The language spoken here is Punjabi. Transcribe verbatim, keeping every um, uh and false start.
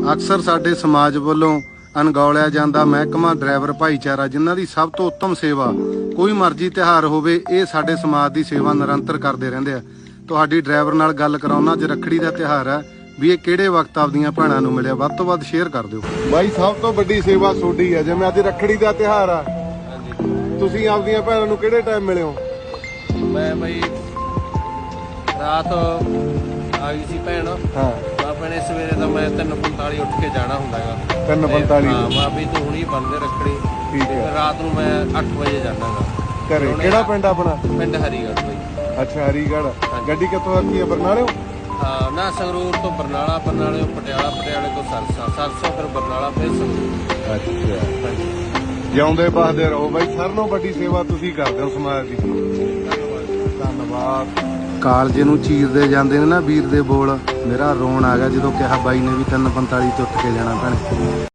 ਅਕਸਰ ਸਾਡੇ ਸਮਾਜ ਵੱਲੋਂ ਅਣਗੌਲਿਆ ਜਾਂਦਾ ਮਹਿਕਮਾ ਡਰਾਈਵਰ ਭਾਈਚਾਰਾ, ਜਿਨ੍ਹਾਂ ਦੀ ਸਭ ਤੋਂ ਉੱਤਮ ਸੇਵਾ ਕੋਈ ਮਰਜ਼ੀ ਤਿਉਹਾਰ ਹੋਵੇ, ਇਹ ਸਾਡੇ ਸਮਾਜ ਦੀ ਸੇਵਾ ਨਿਰੰਤਰ ਕਰਦੇ ਰਹਿੰਦੇ ਆ। ਤੁਹਾਡੀ ਡਰਾਈਵਰ ਨਾਲ ਗੱਲ ਕਰਾਉਣਾ, ਅੱਜ ਰੱਖੜੀ ਦਾ ਤਿਉਹਾਰ ਹੈ, ਵੀ ਇਹ ਕਿਹੜੇ ਵਕਤ ਆਪਦੀਆਂ ਭੈਣਾਂ ਨੂੰ ਮਿਲਿਆ, ਵੱਧ ਤੋਂ ਵੱਧ ਸ਼ੇਅਰ ਕਰ ਦਿਓ। ਬਾਈ ਸਭ ਤੋਂ ਵੱਡੀ ਸੇਵਾ ਤੁਹਾਡੀ ਹੈ, ਜਿਵੇਂ ਅੱਜ ਰੱਖੜੀ ਦਾ ਤਿਉਹਾਰ ਆ, ਤੁਸੀਂ ਆਪਦੀਆਂ ਭੈਣਾਂ ਨੂੰ ਕਿਹੜੇ ਟਾਈਮ ਮਿਲੇ ਹੋ? ਮੈਂ ਬਈ ਰਾਤ ਆ ਗਈ ਸੀ ਭੈਣ। ਹਾਂ ਆਪਣੇ ਸਵੇਰੇ ਤਾਂ ਮੈਂ ਤਿੰਨ ਪੰਤਾਲੀ ਉੱਠ ਕੇ ਜਾਣਾ ਹੁੰਦਾ ਹੈਗਾ। ਤਿੰਨ ਪੰਤਾਲੀ ਹਾਂ ਮਾਂ ਵੀ ਤੂੰ ਹੁਣੀ ਬੰਦੇ ਰੱਖੜੀ। ਠੀਕ ਹੈ। ਰਾਤ ਨੂੰ ਮੈਂ ਅੱਠ ਵਜੇ ਜਾਣਾਗਾ ਘਰੇ। ਕਿਹੜਾ ਪਿੰਡ ਆਪਣਾ? ਪਿੰਡ ਹਰੀਗੜ੍ਹ ਬਈ। ਅੱਛਾ ਹਰੀਗੜ੍ਹ। ਗੱਡੀ ਕਿੱਥੋਂ ਆਉਂਦੀ ਹੈ? ਬਰਨਾਲੇ? ਹਾਂ ਨਾ ਸੰਗਰੂਰ ਤੋਂ ਬਰਨਾਲਾ, ਬਰਨਾਲੇ ਤੋਂ ਪਟਿਆਲਾ, ਪਟਿਆਲੇ ਤੋਂ ਸਰਸਾ, ਸਰਸਾ ਫਿਰ ਬਰਨਾਲਾ, ਫਿਰ ਸੰਗਰੂਰ। ਅੱਛਾ ਜਿਉਂਦੇ ਬਸਦੇ ਰਹੋ ਬਾਈ। ਸਾਰਿਆਂ ਨਾਲੋਂ ਵੱਡੀ ਸੇਵਾ ਤੁਸੀਂ ਕਰਦੇ ਹੋ ਸਮਾਜ ਦੀ। ਧੰਨਵਾਦ। ਕਾਲਜੇ ਨੂੰ ਚੀਰਦੇ ਜਾਂਦੇ ਨੇ ਨਾ ਵੀਰ ਦੇ ਬੋਲ, ਮੇਰਾ ਰੋਣ ਆ ਗਿਆ ਜਦੋਂ ਕਿਹਾ ਬਾਈ ਨੇ ਵੀ ਤਿੰਨ ਪੰਤਾਲੀ ਤੇ ਉੱਠ ਕੇ ਜਾਣਾ ਭੈਣੇ।